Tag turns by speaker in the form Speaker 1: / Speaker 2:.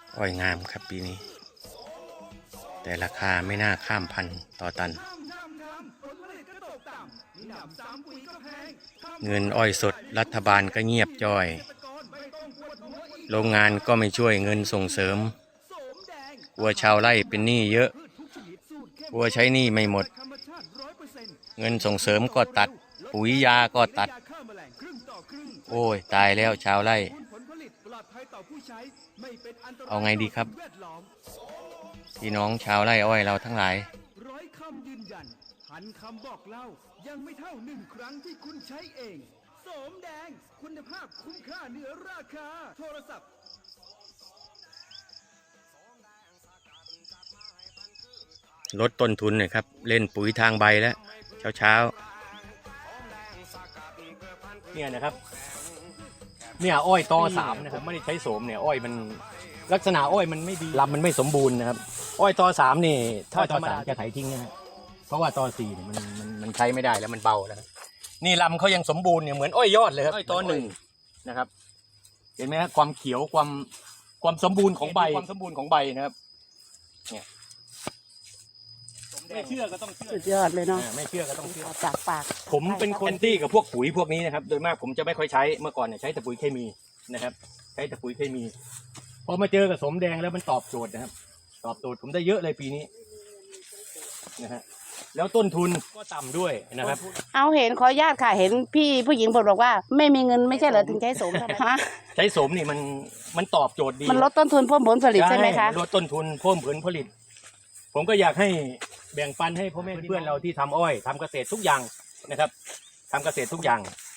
Speaker 1: อ้อยงามครับปีนี้แต่ราคาไม่น่าข้ามพันต่อตันเงินอ้อยสดรัฐบาลก็เงียบจ้อยโรงงานก็ไม่ช่วยเงินส่งเสริมกลัวชาวไร่เป็นหนี้เยอะกลัวใช้หนี้ไม่หมดเงินส่งเสริมก็ตัดปุ๋ยยาก็ตัดโอ้ยตายแล้วชาวไร่เอาไงดีครับพี่น้องชาวไร่อ้อยเราทั้งหลาย
Speaker 2: ร้อยคำยืนยันพันคำบอกเล่ายังไม่เท่าหนึ่งครั้งที่คุณใช้เองโสมแดงคุณภาพคุ้มค่าเหนือราคาโทรศัพท์
Speaker 1: ลดต้นทุนหน่อยครับเล่นปุ๋ยทางใบแล้วเช้าเนี่ยนะครับเนี่ยอ้อยตอสามนะครับไม่ได้ใช้โสมเนี่ยอ้อยมันลักษณะอ้อยมันไม่ดีลำมันไม่สมบูรณ์นะครับอ้อยตอสามนี่ถ้าตอสามจะไถทิ้งนะฮะเพราะว่าตอสี่เนี่ยมันใช้ไม่ได้แล้วมันเบาแล้วนี่ลำเขายังสมบูรณ์เนี่ยเหมือนอ้อยยอดเลยครับอ้อยตอหนึ่งนะครับเห็นไหมครับความเขียวความสมบูรณ์ของใบความสมบูรณ์ของใบนะครับเนี่ยไม่เชื่อก็ต้องเชื่อ
Speaker 3: สุดยอดเลยเนาะ
Speaker 1: ไม่เชื่อก็ต้องเชื่อ
Speaker 3: จากปาก
Speaker 1: ผมเป็นคนที่กับพวกปุ๋ยพวกนี้นะครับโดยมากผมจะไม่ค่อยใช้เมื่อก่อนเนี่ยใช้แต่ปุ๋ยเคมีนะครับใช้แต่ปุ๋ยเคมีพอมาเจอกับสมแดงแล้วมันตอบโจทย์นะครับตอบโจทย์ผมได้เยอะเลยปีนี้นะฮะแล้วต้นทุนก็ต่ำด้วยนะครับ
Speaker 3: เอาเห็นขออนุญาตค่ะเห็นพี่ผู้หญิงบอกว่าไม่มีเงินไม่ใช่เหรอถึงใช้โสมทำไมคะ
Speaker 1: ใช้โสมนี่มันตอบโจทย์ดี
Speaker 3: มันลดต้นทุนเพิ่มผลผลิตใช่ไหมคะ
Speaker 1: ลดต้นทุนเพิ่มผลผลิตผมก็อยากให้แบ่งปันให้พ่อแม่เพื่อนเราที่ทำอ้อยทำเกษตรทุกอย่างนะครับทำเกษตรทุกอย่าง